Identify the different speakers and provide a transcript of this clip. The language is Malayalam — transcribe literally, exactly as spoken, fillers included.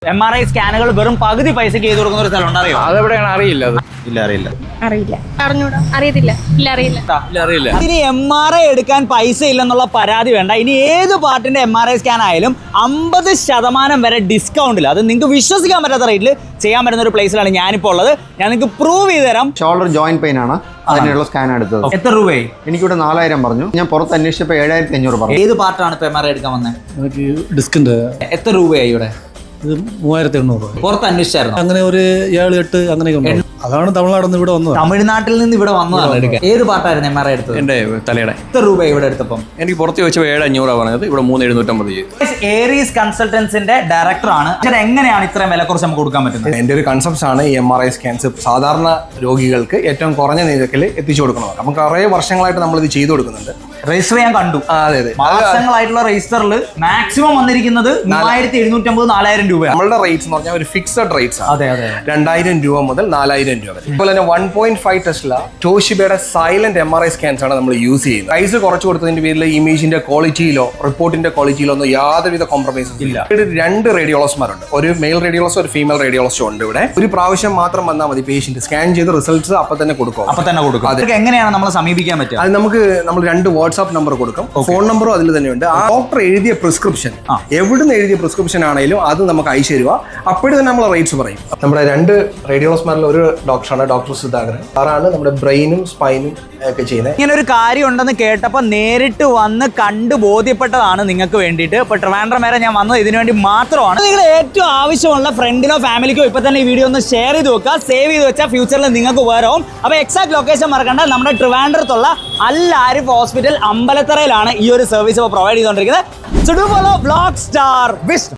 Speaker 1: എം ആർ ഐ സ്കാനുകൾ വെറും പകുതി പൈസക്ക് ചെയ്ത് കൊടുക്കുന്ന ഒരു സ്ഥലം അറിയോ?
Speaker 2: അതെവിടെയാണ് അറിയില്ല.
Speaker 1: ഇല്ല അറിയില്ല
Speaker 3: അറിയില്ല അറിഞ്ഞൂടാ അറിയത്തില്ല ഇല്ല അറിയില്ല
Speaker 2: അറിയില്ല.
Speaker 1: ഇനി എം ആർ ഐ എടുക്കാൻ പൈസ ഇല്ലെന്നുള്ള പരാതി വേണ്ട. ഇനി ഏത് പാർട്ടിന്റെ എം ആർ ഐ സ്കാൻ ആയാലും അമ്പത് ശതമാനം വരെ ഡിസ്കൗണ്ടിൽ, അത് നിങ്ങൾക്ക് വിശ്വസിക്കാൻ പറ്റാത്ത റേറ്റിൽ ചെയ്യാൻ പറ്റുന്ന ഒരു പ്ലേസിലാണ് ഞാനിപ്പോൾ ഉള്ളത്. ഞാൻ നിങ്ങൾക്ക് പ്രൂവ് ചെയ്ത് തരാം.
Speaker 4: ഷോൾഡർ ജോയിന്റ് പെയിൻ ആണ് അതിനുള്ള സ്കാൻ എടുത്തത്.
Speaker 1: എത്ര രൂപയായി?
Speaker 4: എനിക്കിവിടെ നാലായിരം പറഞ്ഞു. ഞാൻ പുറത്ത് അന്വേഷിച്ചപ്പോൾ ഏഴായിരത്തി അഞ്ഞൂറ് പറഞ്ഞു.
Speaker 1: ഏത് പാർട്ടാണ് ഇപ്പൊ എം ആർ ഐ എടുക്കാൻ വന്നത്?
Speaker 5: എനിക്ക് ഡിസ്കിന്റെ
Speaker 1: എത്ര രൂപയായി ഇവിടെ?
Speaker 5: ഇത് മൂവായിരത്തി എണ്ണൂറ് രൂപ.
Speaker 1: പുറത്ത് അന്വേഷിച്ചായിരുന്നു?
Speaker 5: അങ്ങനെ ഒരു ഏഴ് എട്ട് അങ്ങനെയൊക്കെ ഉണ്ട്. അതാണ് തമിഴ്നാട്ടിൽ നിന്ന് ഇവിടെ വന്നത്.
Speaker 1: തമിഴ്നാട്ടിൽ നിന്ന് ഇവിടെ വന്നതാണ് എടുക്കാൻ. ഏത് പാർട്ടായിരുന്നു എം ആർ ഐ എടുത്തത്?
Speaker 2: എന്റെ തലയുടെ.
Speaker 1: എത്ര രൂപ ഇവിടെ എടുത്തപ്പം?
Speaker 2: എനിക്ക് പുറത്ത് ചോദിച്ചപ്പോൾ ഏഴ് അഞ്ഞൂറാണ് പറഞ്ഞത്, ഇവിടെ മൂന്ന് എഴുന്നൂറ്റമ്പത് ചെയ്തു.
Speaker 1: ഏരീസ് കൺസൾട്ടൻസിന്റെ ഡയറക്ടറാണ്. എങ്ങനെയാണ് ഇത്രയും വില കുറച്ച് നമുക്ക് കൊടുക്കാൻ പറ്റുന്നത്?
Speaker 6: എൻ്റെ ഒരു കൺസെപ്റ്റ് ആണ് എം ആർ ഐ സ്കാൻസ് സാധാരണ രോഗികൾക്ക് ഏറ്റവും കുറഞ്ഞ നിരക്കിൽ എത്തിച്ചു കൊടുക്കുന്നത്. നമുക്ക് കുറേ വർഷങ്ങളായിട്ട് നമ്മൾ ഇത് ചെയ്തു കൊടുക്കുന്നുണ്ട്.
Speaker 1: രജിസ്റ്റർ ഞാൻ കണ്ടു.
Speaker 6: അതെ അതെ
Speaker 1: മാസങ്ങളായിട്ടുള്ള രജിസ്റ്ററിൽ മാക്സിമം വന്നിരിക്കുന്നത് മൂവായിരത്തി എഴുന്നൂറ്റമ്പത് നാലായിരം രൂപയാണ്.
Speaker 6: നമ്മളുടെ റേറ്റ്സ് എന്ന് പറഞ്ഞാൽ ഒരു ഫിക്സഡ് റേറ്റ്സ് ആണ്.
Speaker 1: അതെ അതെ
Speaker 6: രണ്ടായിരം രൂപ മുതൽ നാലായിരം രൂപ വരെ. അതുപോലെ തന്നെ വൺ പോയിന്റ് ഫൈവ് ടെസ്ല ടോഷിബയുടെ silent M R I scans ആണ് നമ്മൾ യൂസ് ചെയ്യുന്നത്. പ്രൈസ് കുറച്ച് കൊടുത്തതിന്റെ പേരിൽ ഇമേജിന്റെ ക്വാളിറ്റിയിലോ റിപ്പോർട്ടിന്റെ ക്വാളിറ്റിയിലോ ഒന്നും യാതൊരുവിധ കോംപ്രമൈസും ഇല്ല. ഇവിടെ രണ്ട് റേഡിയോളജിമാരുണ്ട്, ഒരു മെയിൽ റേഡിയോളജിസ്റ്റ് ഒരു ഫീമെയിൽ റേഡിയോളജിസ്റ്റ് ഉണ്ട്. ഇവിടെ ഒരു പ്രാവശ്യം മാത്രം വന്നാൽ മതി. പേഷ്യന്റ് സ്കാൻ ചെയ്ത് റിസൾട്ട്സ് അപ്പൊ തന്നെ കൊടുക്കും.
Speaker 1: അപ്പൊ തന്നെ കൊടുക്കും. അതൊക്കെ എങ്ങനെയാണ് നമ്മൾ സമീപിക്കാൻ പറ്റുക?
Speaker 6: അത് നമുക്ക് നമ്മൾ രണ്ട് വാട്സ്ആപ്പ് നമ്പർ കൊടുക്കും, ഫോൺ നമ്പറും അതിൽ തന്നെയുണ്ട്. ആ ഡോക്ടർ എഴുതിയ പ്രിസ്ക്രിപ്ഷൻ, എവിടുന്ന് എഴുതിയ പ്രിസ്ക്രിപ്ഷൻ ആണെങ്കിലും അത് നമുക്ക് അയച്ചു തരുക. അപ്പോഴും തന്നെ നമ്മൾ റേറ്റ്സ് പറയും. നമ്മുടെ രണ്ട് റേഡിയോളജിമാരിൽ ഒരു ഡോക്ടറാണ് ഡോക്ടർ സുധാകരൻ. സാറാണ് നമ്മുടെ ബ്രെയിനും സ്പൈനും ഒക്കെ ചെയ്യുന്നത്.
Speaker 1: ഇങ്ങനെ ഒരു കാര്യം ഉണ്ടെന്ന് കേട്ടപ്പോൾ നേരിട്ട് വന്ന് കണ്ടു ബോധ്യപ്പെട്ടതാണ് നിങ്ങൾക്ക് വേണ്ടിയിട്ട്. ഇപ്പൊ ട്രിവാൻഡ്രം വരെ ഞാൻ വന്നത് ഇതിനു വേണ്ടി മാത്രമാണ്. നിങ്ങൾ ഏറ്റവും ആവശ്യമുള്ള ഫ്രണ്ടിനോ ഫാമിലിക്കോ ഇപ്പൊ തന്നെ ഈ വീഡിയോ ഒന്ന് ഷെയർ ചെയ്ത് വെക്കുക, സേവ് ചെയ്ത് വെച്ചാൽ ഫ്യൂച്ചറിൽ നിങ്ങൾക്ക് ഉപകാരവും. അപ്പൊ എക്സാക്ട് ലൊക്കേഷൻ മറക്കണ്ട, നമ്മുടെ ട്രിവാൻഡ്രത്തുള്ള അൽ ആരിഫ് ഹോസ്പിറ്റൽ അമ്പലത്തറയിലാണ് ഈ ഒരു സർവീസ് പ്രൊവൈഡ് ചെയ്തുകൊണ്ടിരിക്കുന്നത്. So do follow vlog star Vishnu.